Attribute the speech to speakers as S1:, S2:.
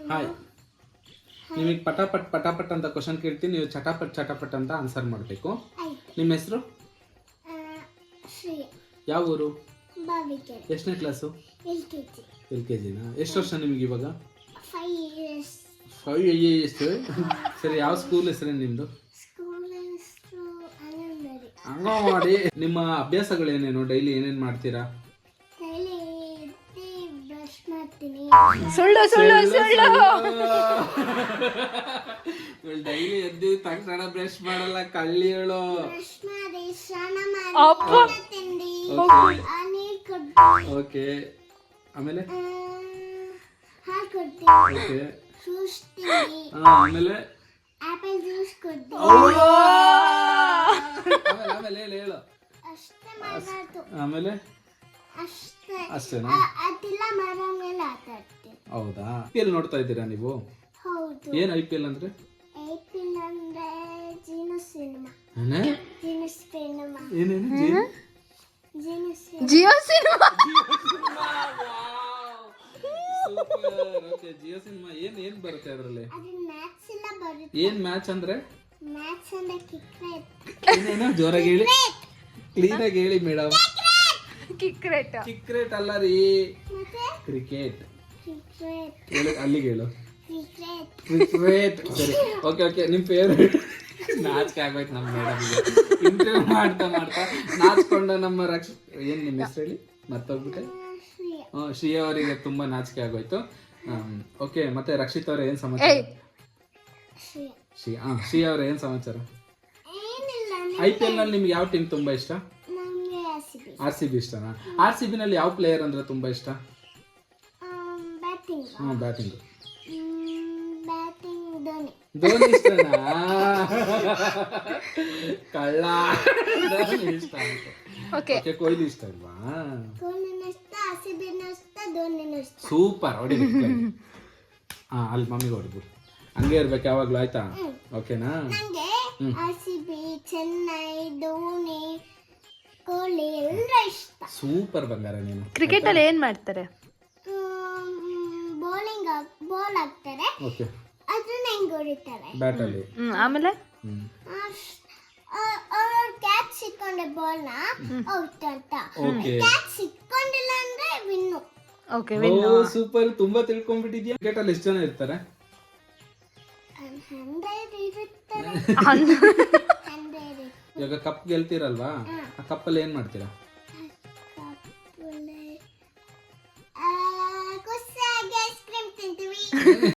S1: Hi. ನಿಮಗೆ ಪಟಾಪಟ್ ಅಂತ question ಕೇಳ್ತೀನಿ, ನೀವು ಚಟಾಪಟ್ ಅಂತ ಆನ್ಸರ್ ಮಾಡಬೇಕು. ನಿಮ್ಮ ಹೆಸರು? ಯಾವ ಊರು? ಎಷ್ಟನೇ ಕ್ಲಾಸು? LKG ನಾ? ಎಷ್ಟು ವರ್ಷ ನಿಮಗೆ ಇವಾಗ? 5 years. ಸರಿ, ಯಾವ ಸ್ಕೂಲ್ ಹೆಸರು ನಿಮ್ಮದು? ಅಂಗನವಾಡಿ. ನಿಮ್ಮ ಅಭ್ಯಾಸಗಳೇನೇನು? ಡೈಲಿ ಏನೇನು ಮಾಡ್ತೀರಾ?
S2: ಸುಳ್ಳು
S1: ಡೈಲಿ ಎದ್ದು ತಕ್ಷಣ ಬ್ರಷ್ ಮಾಡಲ್ಲ, ಕಳ್ಳಿ ಹೇಳು. ಓಕೆ, ಆಮೇಲೆ ಓಕೆ, ಆಮೇಲೆ ಆಮೇಲೆ ಹೇಳು. ಆಮೇಲೆ ಅಷ್ಟೇನಾ? ಹೌದಾ? IPL ನೋಡ್ತಾ ಇದ್ದೀರಾ ನೀವು? ಏನ್ IPL ಅಂದ್ರೆ? ಏನೇನು?
S2: ಜಿಯೋ ಸಿನಿಮಾ.
S1: ಜಿಯೋ ಸಿನಿಮಾ. ಏನ್ ಬರುತ್ತೆ ಅದರಲ್ಲಿ? ಏನ್ ಮ್ಯಾಚ್ ಅಂದ್ರೆ? ಏನೇನು? ಜೋರಾಗಿ ಹೇಳಿ, ಕ್ಲೀನ್ ಆಗಿ ಹೇಳಿ ಮೇಡಮ್. ಕ್ರಿಕೆಟ್ ಅಲ್ಲ ರೀ, ಕ್ರಿಕೆಟ್. ಅಲ್ಲಿಗೆ ಹೇಳು, ಕ್ರಿಕೆಟ್. ಸರಿ, ಓಕೆ. ನಿಮ್ ಫೇವ್ರೇಟ್? ನಾಚಿಕೆ ಆಗೋಯ್ತು ನಮ್ಮ ಮೇಡಮ್ಗೆ. ಇಂಟರ್ವ್ಯೂ ಮಾಡ್ತಾ ನಾಚ್ಕೊಂಡ ನಮ್ಮ ಏನ್ ನಿಮ್ಮ ಹೆಸರು ಹೇಳಿ? ಮರ್ತೋಗ್ಬಿಟ್ಟೆ. ಶ್ರೀಯಾ ಅವರಿಗೆ ತುಂಬಾ ನಾಚಿಕೆ ಆಗೋಯ್ತು. ಓಕೆ, ಮತ್ತೆ ರಕ್ಷಿತ್ ಅವ್ರ ಏನ್ ಸಮಾಚಾರ? ಶ್ರೀಯಾ ಅವ್ರ ಏನ್ ಸಮಾಚಾರ? IPL ನಲ್ಲಿ ನಿಮ್ಗೆ ಯಾವ ಟೀಮ್ ತುಂಬಾ ಇಷ್ಟ? RCB ಇಷ್ಟನಾ? RCB ನಲ್ಲಿ ಯಾವ ಪ್ಲೇಯರ್ ಅಂದ್ರೆ ತುಂಬಾ ಇಷ್ಟ? ಬ್ಯಾಟಿಂಗ್. ಧೋನಿ ಇಷ್ಟನಾ? ಕಳ್ಳ. ಧೋನಿ ಇಷ್ಟ ಆಯ್ತು. ಓಕೆ, ಕೊಹ್ಲಿ ಇಷ್ಟ ಅಲ್ವಾ? ಸೂಪರ್, ಹೊಡಿ. ಅಲ್ಲಿ ಮಮ್ಮಿಗೆ ಹೊಡಿಬಿಡು. ಹಂಗೆ ಇರ್ಬೇಕು ಯಾವಾಗ್ಲೂ, ಆಯ್ತಾ? ಓಕೆನಾ? ಸೂಪರ್ ಬಂಗಾರ ನೀನು.
S2: ಕ್ರಿಕೆಟ್ ಅಲ್ಲಿ ಏನ್ ಮಾಡ್ತಾರೆ?
S3: ಬಾಲ್ ಹಾಕ್ತಾರೆ.
S1: ಓಕೆ,
S3: ಅದನ್ನ ಹೆಂಗ್ ಹೊಡಿತಾರೆ
S1: ಬ್ಯಾಟ್ ಅಲ್ಲಿ.
S2: ಆಮೇಲೆ
S3: ಕ್ಯಾಚ್ ಸಿಕ್ಕೊಂಡೆ ಬಾಲ್ ನ ಔಟ್ ಅಂತ. ಕ್ಯಾಚ್ ಸಿಕ್ಕೊಂಡಿಲ್ಲ ಅಂದ್ರೆ ವಿನ್ನು.
S2: ಓಕೆ,
S1: ಸೂಪರ್, ತುಂಬಾ ತಿಳ್ಕೊಂಡ್ಬಿಟ್ಟಿದ್ಯಾ. ಕ್ರಿಕೆಟ್ ಅಲ್ಲಿ ಎಷ್ಟು ಜನ ಇರ್ತಾರೆ?
S3: 100 ಇರುತ್ತಾರೆ.
S1: ಇವಾಗ ಕಪ್ ಗೆಲ್ತೀರಲ್ವಾ, ಆ ಕಪ್ಪಲ್ಲಿ ಏನ್ ಮಾಡ್ತೀರಾ?
S3: ಖುಷಿಯಾಗಿ ಐಸ್ ಕ್ರೀಮ್ ತಿಂತೀವಿ.